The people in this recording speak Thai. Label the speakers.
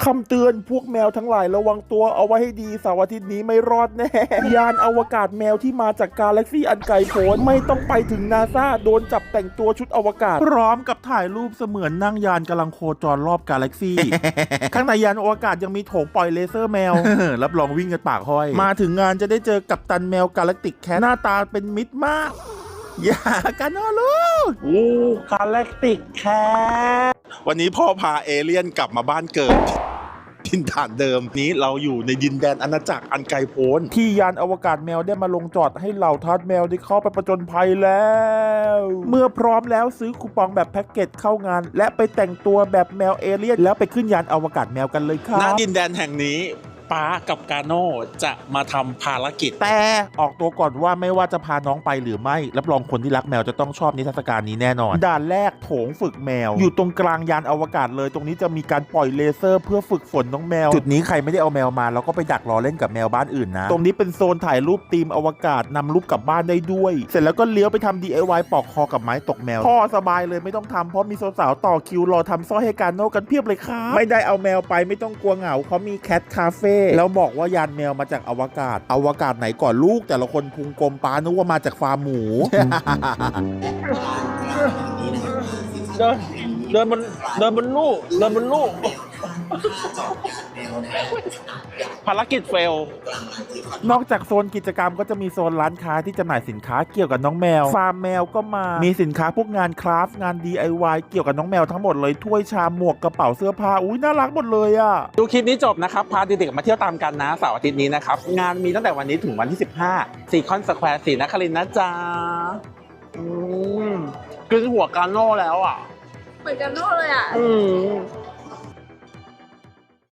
Speaker 1: ำเตือนพวกแมวทั้งหลายระวังตัวเอาไว้ให้ดีเสาร์อาทิตย์นี้ไม่รอดแน่ยานอวกาศแมวที่มาจากกาแล็กซี่อันไกลโพ้นไม่ต้องไปถึงนาซาโดนจับแต่งตัวชุดอวกาศพร้อมกับถ่ายรูปเสมือนนั่งยานกำลังโคจรรอบกาแล็กซี่ ข้างในยานอวกาศยังมีโถงปล่อยเลเซอร์แมว รับรองวิ่งกันปากห้อยมาถึงงานจะได้เจอกัปตันแมวกาแล็กติกแคทหน้าตาเป็นมิตรมากอย่ากันนะลูกโอ้กาแล็กติกแคทวันนี้พ่อพาเอเลี่ยนกลับมาบ้านเกิดดินฐานเดิมนี้เราอยู่ในดินแดนอาณาจักรอันไกลโพ้นที่ยานอวกาศแมวได้มาลงจอดให้เหล่าทาสแมวได้เข้าไปประจนภัยแล้วเมื่อพร้อมแล้วซื้อคูปองแบบแพ็กเกจเข้างานและไปแต่งตัวแบบแมวเอเลี่ยนแล้วไปขึ้นยานอวกาศแมวกันเลยครับณดินแดนแห่งนี้ป้ากับกาโน่จะมาทำภารกิจแต่ออกตัวก่อนว่าไม่ว่าจะพาน้องไปหรือไม่รับรองคนที่รักแมวจะต้องชอบนิทรรศการนี้แน่นอนด่านแรกโถงฝึกแมวอยู่ตรงกลางยานอวกาศเลยตรงนี้จะมีการปล่อยเลเซอร์เพื่อฝึกฝนน้องแมวจุดนี้ใครไม่ได้เอาแมวมาเราก็ไปดักรอเล่นกับแมวบ้านอื่นนะตรงนี้เป็นโซนถ่ายรูปธีมอวกาศนำรูปกลับบ้านได้ด้วยเสร็จแล้วก็เลี้ยวไปทำ DIY ปอกคอกับไม้ตกแมวพ่อสบายเลยไม่ต้องทำเพราะมีสาวๆต่อคิวรอทำสร้อยให้กาโน่กันเพียบเลยครับไม่ได้เอาแมวไปไม่ต้องกลัวเหงาเขามีแคทคาเฟ่แล้วบอกว่ายานแมวมาจากอวกาศไหนก่อนลูกแต่ละคนพุงกลมป้านึกว่ามาจากฟาร์มหมู เดินบนลูกภารกิจเฟลนอกจากโซนกิจกรรมก็จะมีโซนร้านค้าที่จำหน่ายสินค้าเกี่ยวกับน้องแมวฟาร์มแมวก็มามีสินค้าพวกงานคราฟต์งาน DIY เกี่ยวกับน้องแมวทั้งหมดเลยถ้วยชามหมวกกระเป๋าเสื้อผ้าอุ้ยน่ารักหมดเลยอ่ะดูคลิปนี้จบนะครับพาเด็กๆมาเที่ยวตามกันนะเสาร์อาทิตย์นี้นะครับงานมีตั้งแต่วันนี้ถึงวันที่15ซีคอนสแควร์ศรีนครินทร์นะจ๊ะกินหัวกาโน่แล้วอ่ะ
Speaker 2: เหมือนกันโน่เลยอ่ะ